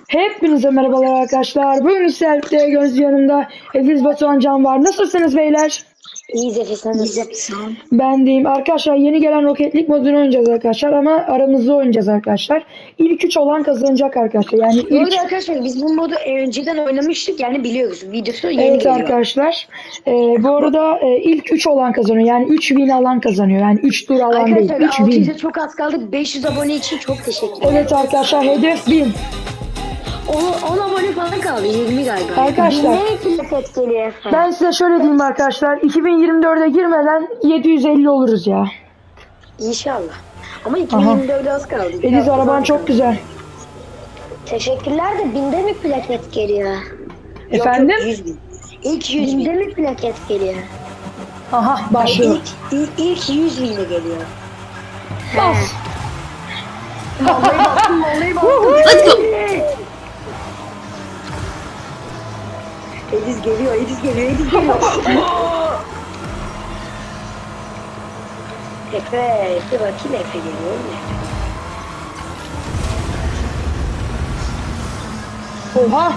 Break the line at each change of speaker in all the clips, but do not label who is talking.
Hepinize merhabalar arkadaşlar. Bugün sizlerle göz yanımda Ediz Batuhan Can var. Nasılsınız beyler?
İyiyiz Efe, sen nasılsın?
Ben deyim. Arkadaşlar yeni gelen Rocket League modunu oynayacağız arkadaşlar ama aramızda oynayacağız arkadaşlar. İlk 3 olan kazanacak arkadaşlar. Yani
Bu
ilk...
arada arkadaşlar biz bu modu önceden oynamıştık, yani biliyoruz. Videosu yeni
Evet
geliyor.
arkadaşlar. Bu arada ilk 3 olan kazanıyor. Yani 3 win alan kazanıyor. Yani 3 tur alan değil.
Arkadaşlar
3 win.
600'e çok az kaldık. 500 abone için çok teşekkürler.
Evet arkadaşlar hedef 1000.
10 abone falan kaldı. 20 galiba.
Arkadaşlar
Ne plaket geliyor?
ben size şöyle diyeyim arkadaşlar. 2024'e girmeden 750 oluruz ya.
İnşallah. Ama 2024'e az kaldı.
Ediz araban çok güzel.
Teşekkürler de binde mi plaket geliyor?
Efendim?
Yok, 100 bin. İlk 100 binde mi plaket geliyor?
Aha başlıyor.
İlk 100 binde geliyor.
Bas.
Vallahi baktım.
Let's go.
Ediz geliyor. Efe bakayım, Efe geliyor mu?
Oha.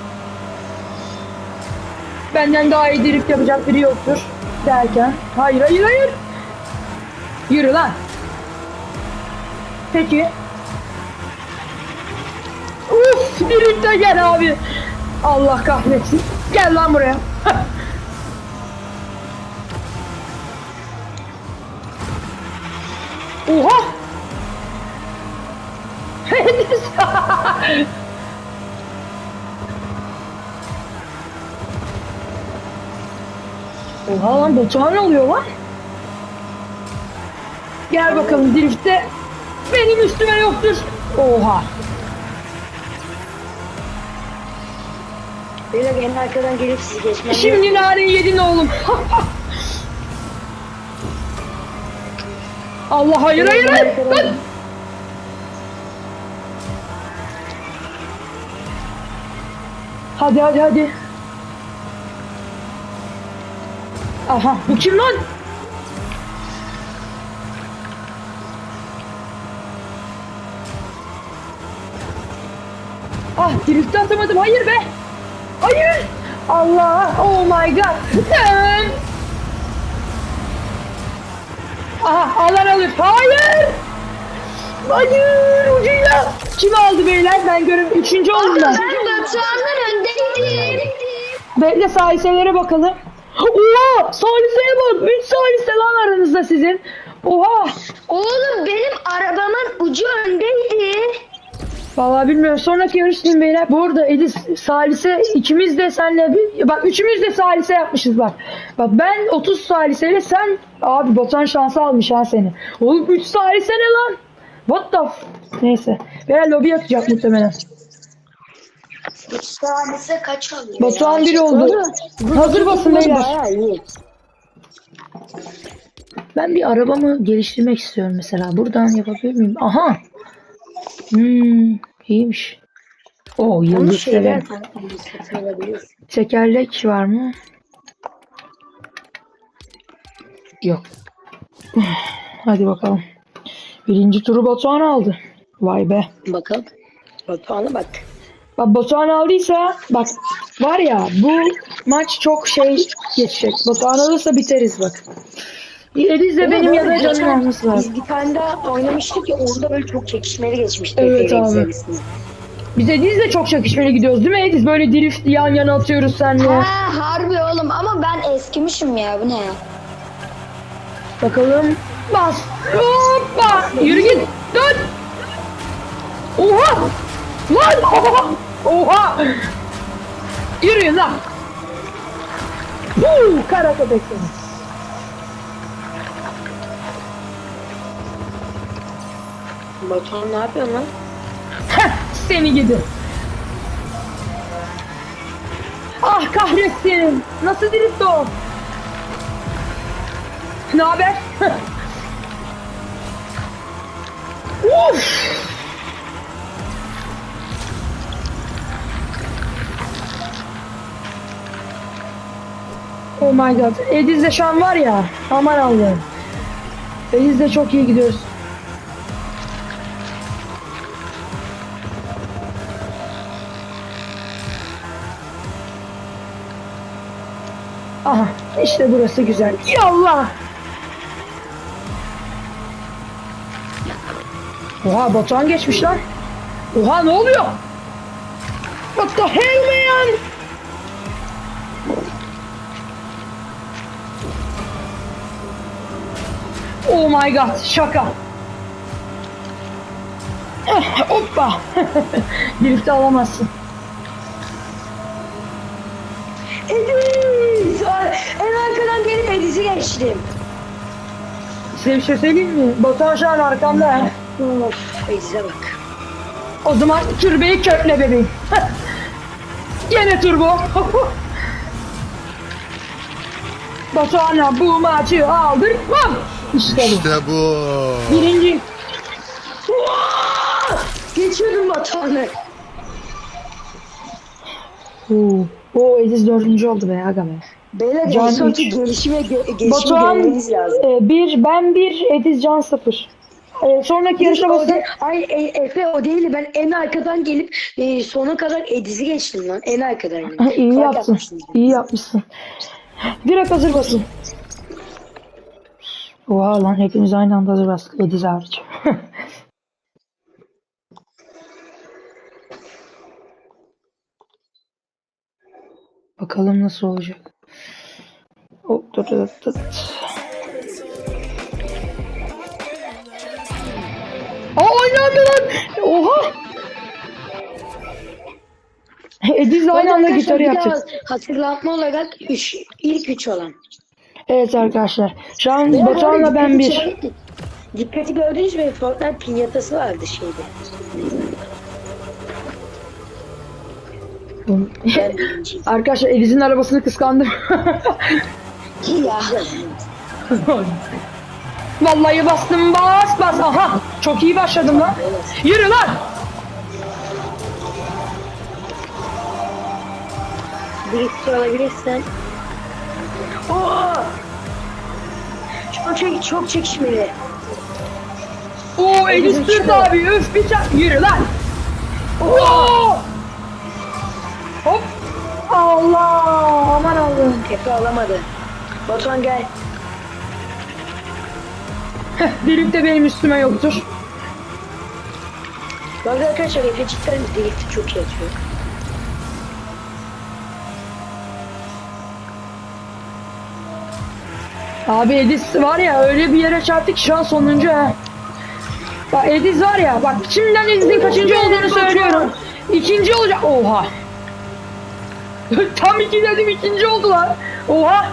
Benden daha iyi drift yapacak biri yoktur derken. Hayır. Yürü lan. Peki. Uf, drift'e gel abi. Allah kahretsin. Gel lan buraya. Oha. Oha lan Batuhan ne oluyor lan? Gel bakalım driftte. Benim üstüme yoktur. Oha.
Böyle en arkadan gelip sizi geçmem.
Şimdi narin yedin oğlum. Allah hayır. Lan. Hadi. Aha bu kim lan? Ah drift'e atamadım, hayır be. Hayır. Allah, oh my god. Aha alan alır. Hayır. Ucuyla. Kim aldı beyler? Ben görüyorum. 3. oldum ben.
Ben Batuhan'dan öndeydim.
Bekle saliselere bakalım. Oha! Saliseye bak. 3 salise lan aranızda sizin. Oha!
Oğlum benim arabamın ucu öndeydi.
Vallahi bilmiyorum. Sonraki yarıştayım beyler. Bu arada Edis salise ikimiz de senle bak üçümüz de salise yapmışız bak. Bak ben 30 saliseyle sen abi Batuhan şansı almış ha seni. Oğlum 3 salise ne lan? What the neyse. Beyler lobi atacak muhtemelen.
3 tanesi kaç alıyor?
Batuhan 1 oldu. Hazır basın beyler.
Bayağı iyi.
Ben bir arabamı geliştirmek istiyorum mesela. Buradan yapabilir miyim? Aha. İyiymiş. O yıldız severim. Tekerlek var mı? Yok. Hadi bakalım. 1. turu Batuhan aldı. Vay be.
Bakalım. Batuhan'a bak.
Bak Batuhan aldıysa bak var ya bu maç çok geçecek. Batuhan alırsa biteriz bak. Ediz de benim ya da canım alması lazım.
Biz bir tane daha oynamıştık ya, onda böyle çok çekişmeli geçmişti.
Evet abi. Biz Ediz'le çok çakışmeli gidiyoruz değil mi Ediz? Böyle drift yan yana atıyoruz seninle.
Ha harbi oğlum, ama ben eskimişim ya, bu ne ya?
Bakalım. Bas. Hoppa. Yürü git. Dön. Oha. Lan. Oha. Yürüyün lan. Kara köpek seni.
Batuhan ne yapıyor lan?
Seni gidi. Ah kahretsin. Nasıl drift o? Ne haber? Uf. Oh my god. Ediz'de şu an var ya. Aman Allah'ım. Ediz'de çok iyi gidiyoruz. Aha işte burası güzel. Yallah. Oha Batuhan geçmiş lan. Oha ne oluyor? What the hell man? Oh my god şaka. Hoppa. Birlikte alamazsın.
Ediz! En arkadan gelip Ediz'i geçtim.
Size bir şey söyleyeyim mi? Batuhan şu an arkamda. Ha.
Of, Ediz'e bak.
O zaman türbeyi kökle bebeğim. Yine turbo. Batuhan'a bu maçı aldırmam. İşte bu.
İşte bu.
Birinci.
Geçiyordum Batuhan'ı.
O Ediz dördüncü oldu be aga be.
Beyler
Can
en sonki
üç.
gelişimi
Batuhan
görmeniz lazım.
ben bir, Ediz Can 0. Sonraki yarışa basın.
Efe o değil, ben en arkadan gelip sona kadar Ediz'i geçtim lan. En arkadan. Yani.
İyi
Fark
yaptın.
atmıştım.
İyi yapmışsın. Direkt hazır basın. Oha lan hepimiz aynı anda hazır bastık. Ediz hariç. Bakalım nasıl olacak. Hop dur dur dur. Oynandı lan. Oha. Ediz'le aynı anda
Arkadaşlar,
gitarı
bir daha
yapacağız.
hatırlatma olarak ilk 3 olan.
Evet arkadaşlar. Şu an
Veya
Batuhan'la
bu
ben
arada
bir.
Dikkati gördünüz mü? Fortnite pinyatası vardı şeyde. Ben birinciyim.
Arkadaşlar Ediz'in arabasını kıskandım.
Ya.
Vallahi bastım bas. Aha çok iyi başladım lan. Yürü lan.
Birlikte alabilirsen. Oo! Çok çekişmeli.
Oo Ediz Türk abi öf bir çak. Yürü lan. Oo. Hop. Allah aman Allah'ım.
Efe alamadı. Batuhan gel.
Drift de benim üstüme yoktur.
Bu arada arkadaşlar Efe cidden drift'i çok iyi atıyor.
Abi Ediz var ya öyle bir yere çarptı ki şu an sonuncu ha. Bak Ediz var ya bak şimdiden Ediz'in kaçıncı olduğunu söylüyorum. İkinci olacak. Oha. Tam iki dedim ikinci oldular. Oha.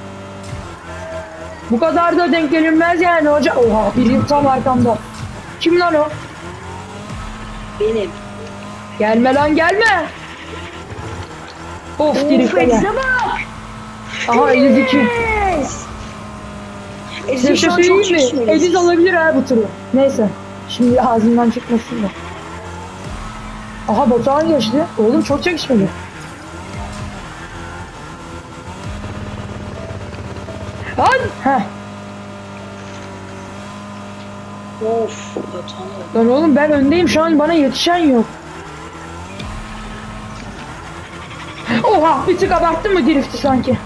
Bu kadar da denk gelinmez yani hoca. Oha biri tam arkamda. Kim lan o?
Benim.
Gelme lan gelme. Of drift'e gel.
Ediz'e bak.
Aha Ediz 2.
Yes.
Size
Ediz'in
bir
şu
şey
an çok
söyleyeyim mi?
çekişmeli.
Ediz alabilir ha bu turu. Neyse. Şimdi ağzından çıkmasın da. Aha Batuhan geçti. Oğlum çok çekişmeli. Lan! Heh.
Of Batuhan.
Lan oğlum ben öndeyim şu an bana yetişen yok. Oha bir tık abarttın mı drift'i sanki?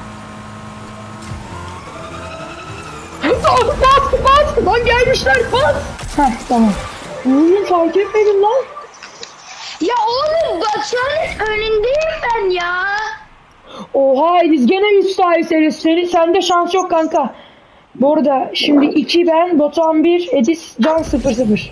Bas! Lan gelmişler bas! Heh tamam. Oğlum fark etmedim lan.
Ya oğlum Batuhan'ın önündeyim ben ya.
Oha Ediz gene 3 sayı sende şans yok kanka. Bu arada şimdi 2 ben, Batuhan 1, Ediz Can 0-0.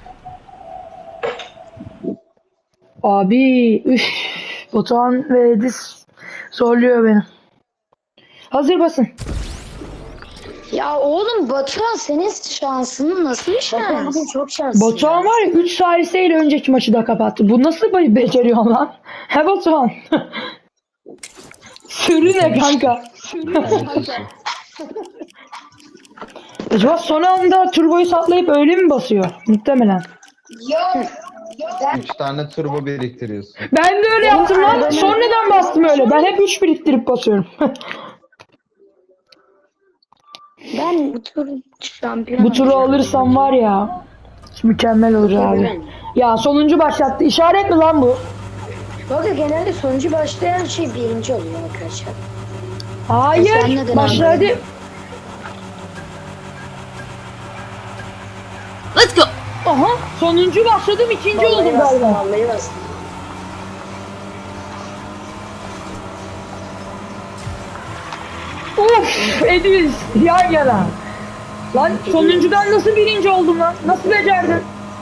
Abi üf, Batuhan ve Ediz zorluyor beni. Hazır basın.
Ya oğlum Batuhan senin şansın nasıl bir
Batuhan
şans?
bugün çok şanslı.
Batuhan var ya 3 saliseyle önceki maçı da kapattı. Bu nasıl beceriyor lan? He Batuhan. Sürü ne kanka? Acaba son anda turboyu satlayıp öyle mi basıyor? Muhtemelen.
Yok.
3 tane turbo biriktiriyorsun.
Ben de öyle yaptım lan. Sonradan bastım öyle. Ben hep 3 biriktirip basıyorum.
Ben bu tur şampiyon
Bu turu alırsam var ya mükemmel olur abi. Ya sonuncu başlattı. İşaret mi lan bu?
Bu arada genelde sonucu başlayan şey birinci oluyor arkadaşlar.
Sen
Hayır.
neden
Başladı.
Let's go.
Aha. Sonuncu başladım. İkinci oldum
Vallahi bastım,
galiba.
vallahi bastım.
Uf. Ediz. Yan yana. Lan sonuncudan nasıl birinci oldum lan? Nasıl becerdin?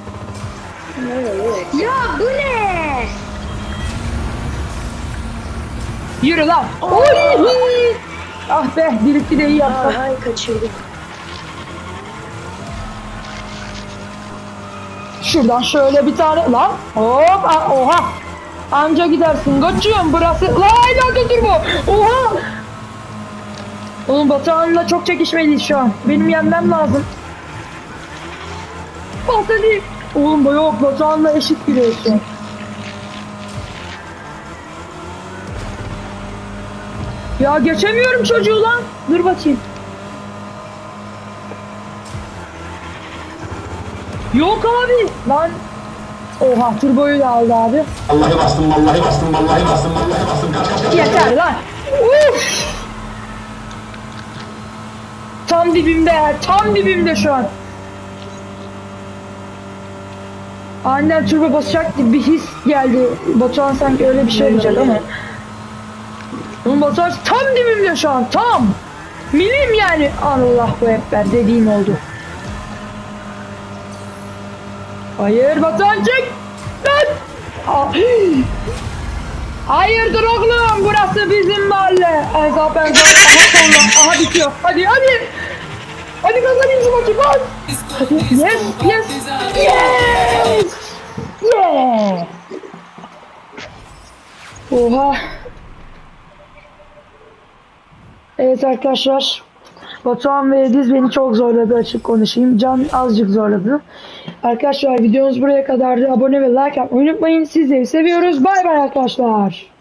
Ya bu ne?
Yürü lan. Oy. Ah be. Birikti de iyi yaptım.
Ay kaçırdım.
Şuradan şöyle bir tane lan. Hop. Oha. Anca gidersin. Kaçıyorum burası. Lan nerede dur bu? Oha. Oğlum Batuhan'la çok çekişmeliyiz şu an. Benim yenmem lazım. Hadi. Oğlum yok Batuhan'la eşit gidiyoruz şu an. Ya geçemiyorum çocuğu lan. Dur bakayım. Yok abi. Lan. Oha turboyu da aldı abi.
Vallahi bastım, vallahi bastım, vallahi bastım, vallahi bastım. Kaç kaç kaç.
Yeter lan. Uf. Tam dibimde. Tam dibimde şu an. Aniden turbo basacak gibi bir his geldi. Batuhan sanki öyle bir şey olacak ama. Oğlum Batuhan tam dibimde şu an. Tam. Milim yani. Allah bu ekber dediğim oldu. Hayır Batuhan çık. Lan. Hayırdır oğlum burası bizim mahalle. Ezap. Aha sonra. Aha bitiyor. Hadi hadi. Hadi kazanayım şu maçı bak. Hadi yes yes. Yes. Yeah. Oha. Evet arkadaşlar. Batuhan ve Ediz beni çok zorladı açık konuşayım. Can azıcık zorladı. Arkadaşlar videomuz buraya kadardı. Abone ve like yapmayı unutmayın. Sizleri seviyoruz. Bay bay arkadaşlar.